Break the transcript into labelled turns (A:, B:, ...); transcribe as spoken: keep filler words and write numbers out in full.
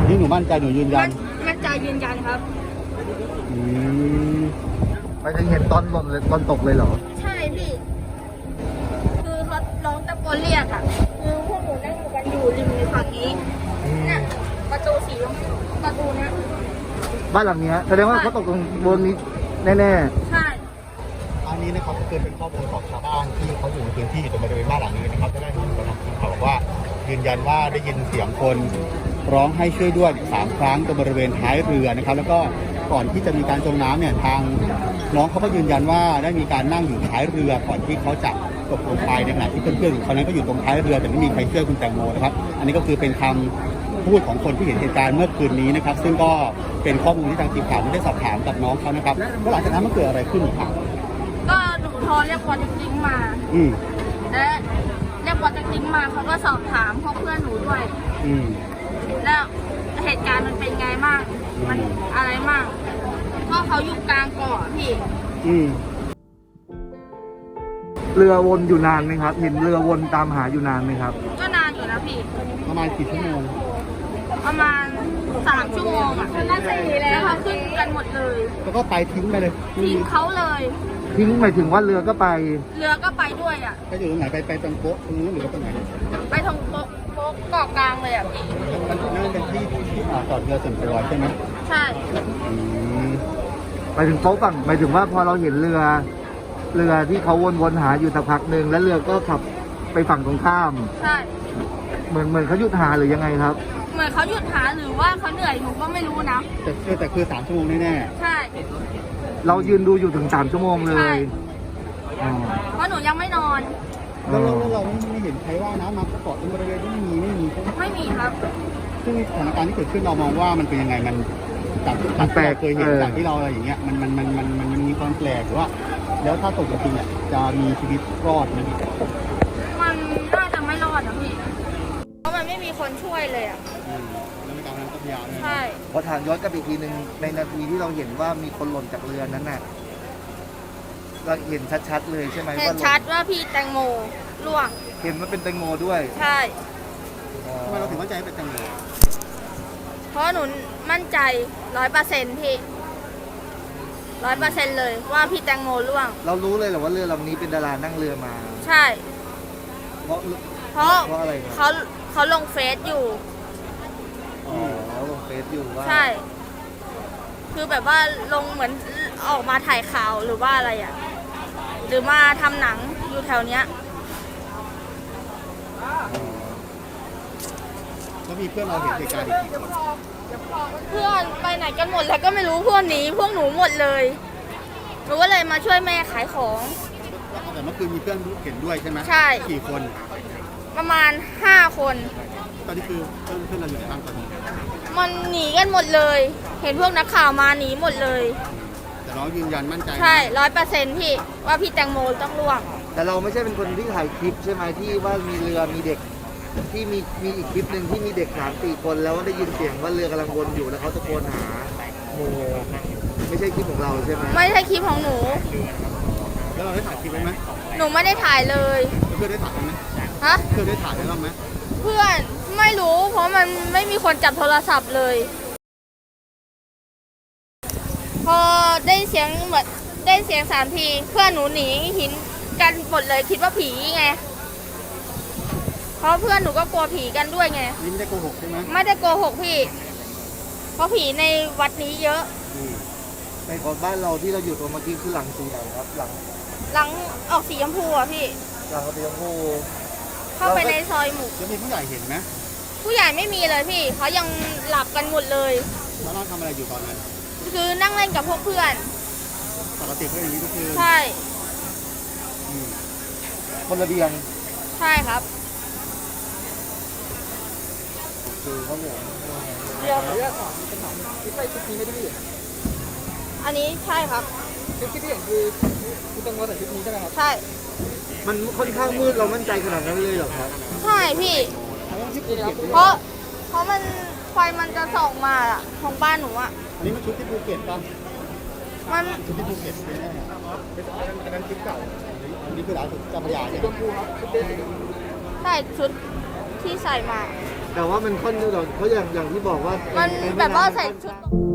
A: นี่หนูมั่นใจหนูยืนยัน
B: มั่นใจยืนยันครับ
A: อืม
C: ไปถึงเห็นตอนหล่นเลยตอนตกเลยเหรอ
B: ใช่พี่คือเขาร้องตะโกนเรียกอ่ะคือพวกหนูนั่งอยู่กันอยู่ริมฝั่งนี้เนี่ยประตูสีประตูเนี้ย
C: บ้านหลังนี้แสดงว่าเขาตกตรงบนนี้แน่
B: ๆใช่
A: อันนี้นะครับก็คือเป็นข้อมูลของชาวบ้านที่เขาอยู่ในพื้นที่ตรงบริเวณบ้านหลังนี้นะครับได้ได้ยินมาทางทีมข่าวบอกว่ายืนยันว่าได้ยินเสียงคนร้องให้ช่วยด้วยสามครั้งตรงบริเวณท้ายเรือนะครับแล้วก็ก่อนที่จะมีการจมน้ำเนี่ยทางน้องเขาก็ยืนยันว่าได้มีการนั่งอยู่ท้ายเรือก่อนที่เขาจะตกลงไปในขณะที่เพื่อนๆคนนั้นก็อยู่ตรงท้ายเรือแต่ไม่มีใครช่วยคุณแตงโมนะครับอันนี้ก็คือเป็นคำพูดของคนที่เห็นเหตุการณ์เมื่อคืนนี้นะครับซึ่งก็เป็นข้อมูลที่ทางทีมข่าวได้สอบถามกับน้องเขานะครับแล้วหลังจากนั้นมันเกิดอะไรขึ้นครับ
B: ก็หนูโทรเรียกวอร์ดจริงมา
A: อืม
B: และเรียกวอร์ดจริงมาเขาก็สอบถามพวกเพื่อนหนูด้วย
A: อืม
B: แล้วเหตุการณ์มันเป็นไงบ้างมันอะไรบ้างก็เขาอยู่กลางเกาะพี่
A: อืม
C: เรือวนอยู่นานไหมครับเห็นเรือวนตามหาอยู่นานไหมครับ
B: ก็นานอยู่นะพี่
A: ประมาณกี่ชั่วโมง
B: ประมาณสามชั่วโมงอ่ะน่าจะดีแล้วเขาขึ้นกันหมดเลย
A: แล้วก็ไปทิ้งไปเลย
B: ทิ้งเขาเลย
C: ทิ้งหมายถึงว่าเรือก็ไป
B: เรือก็ไปด้วยอ่ะ
A: ไปอยู่ตรงไหนไปไปตรงโป๊ะตรงนู้นหรือว่าตรงไหน
B: ไปตรงโป๊ะโป๊ะเกาะกลางเลยอ่ะพี่
A: มันนั่นเป็นที่ที่จอดเรือส่วนตัวใช่ไหม
B: ใช่
C: ไปถึงโป๊ะฝั่งหมายถึงว่าพอเราเห็นเรือเรือที่เขาวนๆหาอยู่สักพักหนึ่งแล้วเรือก็ขับไปฝั่งตรงข้าม
B: ใช่
C: เหมือนเหมือนเขาหยุดหาหรือยังไงครับ
B: เหมือนเขาหยุดหาหรือว่าเขาเหนื่อยหนูก็ไม่รู้นะ
A: แต่คือแต่คือสามชั่วโมงแน่ๆ
B: ใช่
C: เรายืนดูอยู่ถึงสามชั่วโมงเลย
B: เพราะหนูยังไม่นอน
A: แล้วเราเราไม่เห็นใครว่าน้ำมาเกาะตรงบริเวณที่ไม่มีไม่มี
B: ไม่มีครับ
A: ซึ่งสถานการณ์ที่เกิดขึ้นเรามองว่ามันเป็นยังไงมันจากที่เราเคยเห็นจากที่เราอะไรอย่างเงี้ยมันมันมันมันมันมีความแปลกหรือว่าแล้วถ้าตกจริงเนี่ยจะมีชีวิตรอดไหม
B: มันน่าจะไม่รอดนะพี่เพราะมันไม่มีคนช่วยเลยอ่ะ
A: แล้วในการนั้นก็พยายาม
B: ใช่
C: พอถามย้อนกลับอีกทีหนึ่งในนาทีที่เราเห็นว่ามีคนหล่นจากเรือนั้นน่ะเราเห็นชัดๆเลยใช่ไหม
B: เห็นชัดว่าพี่แตงโมล่วง
C: เห็นว่าเป็นแตงโมด้วย
B: ใช่
A: ทำไมเราถึงมั่นใจเป็นแตงโม
B: เพราะหนูมั่นใจร้อยเปอร์เซ็นต์พี่ร้อยเปอร์เซ็นต์เลยว่าพี่แตงโมล่วง
C: เรารู้เลยเหรอว่าเรือลำนี้เป็นดารานั่งเรือมา
B: ใช่
C: เพราะ
B: เพราะ
C: เพราะอะไร
B: เขาเขาลงเฟซอยู่
C: อ๋อลงเฟซอยู่ว่า
B: ใช่คือแบบว่าลงเหมือนออกมาถ่ายข่าวหรือว่าอะไรอ่ะหรือมาทำหนังอยู่แถวเนี้ย
A: แล้วมีเพื่อนเราเห็นเหตุการณ์อีกกี่คน
B: เพื่อนไปไหนกันหมดแล้วก็ไม่รู้เพื่อนหนีพวกหนูหมดเลยหนูก็เลยมาช่วยแม่ขายของ
A: แต่เมื่อคืนมีเพื่อนเห็นด้วยใช่ไหม
B: ใช่
A: กี่คน
B: ประมาณห้าคน
A: ตอนนี้คือเพื่อนเพื่อนเราอยู่ในบ้านตอนนี้
B: มันหนีกันหมดเลยเห็นพวกนักข่าวมาหนีหมดเลย
A: แต่น้องยืนยันมั่นใจ
B: ใช่ร้อยเปอร์เซ็นต์พี่ว่าพี่แตงโมต้องล่วง
C: แต่เราไม่ใช่เป็นคนที่ถ่ายคลิปใช่ไหมที่ว่ามีเรือมีเด็กที่มีมีอีกคลิปหนึ่งที่มีเด็กสามสี่คนแล้วได้ยินเสียงว่าเรือกำลังวนอยู่แล้วเขาตะโกนหาโมไม่ใช่คลิปของเราใช่ไหม
B: ไม่ใช่คลิปของหนู
A: แล้วเราได้ถ่ายคลิปไว้ไหม
B: หนูไม่ได้ถ่ายเลย
A: เพื่อนได้ถ่ายไหม
B: ฮะ
A: เพื่อนได้ถ่ายไว้บ้างไหม
B: เพื่อนไม่รู้เพราะมันไม่มีคนจับโทรศัพท์เลยพอได้เสียงเหมือนได้เสียงสามทีเพื่อนหนูหนีหินกันหมดเลยคิดว่าผีไงเพราะเพื่อนหนูก็กลัวผีกันด้วยไง
A: นี่ไม่ได้โกหกใช่ไหม
B: ไม่ได้โกหกพี่เพราะผีในวัดนี้เยอะ
C: ในของบ้านเราที่เราอยู่ตรงเมื่อกี้คือหลังสีไหนครับหลัง
B: หลังออกสีชมพูอ่ะพี่
C: หลังสีชมพู
B: เข้าไปในซอยหมู่
A: จะมีผู้ใหญ่เห็นไหม
B: ผู้ใหญ่ไม่มีเลยพี่เขายังหลับกันหมดเลย
A: แล้วเราทำอะไรอยู่ตอนนั้น
B: คือนั่งเล่นกับพวกเพื่อน
A: ปกติก็อย่างนี้ทุกคืน
B: ใช่
C: บนระเบียง
B: ใช่ครับ
C: คือเขาบอก
B: เดี๋ยวคลิปไปคลิปนี้ไม่ได้อันนี้ใช่ครับ
C: คลิปที่เห็นคือคุณตังโมใส่คลิปนี้ใช่ไหมครับ
B: ใช่
C: มันค่อนข้างมืดเรามั่นใจขนาดนั้นเลยเหรอครับ
B: ใช่พี่เพราะเพราะมันไฟมันจะส่องมาอะของบ้านหนูอะ
A: อันนี้มันชุดที่ภูเก็ตป่ะ
B: มัน
A: ชุดที่ภูเก็ตเป็นแน่อันนั้นคลิปเก่าอันนี้คือร้านสุดเจ้าพระยาใช่ไหม
B: ใช่ชุดที่ใส่มา
C: แต่ว่ามันค่อนข้างเขาอย่างอย่างที่บอกว่า
B: มัน
C: ใ
B: แบบว่า
C: ำ
B: ใส่
C: ค่อน
B: ชุด
C: ข้าง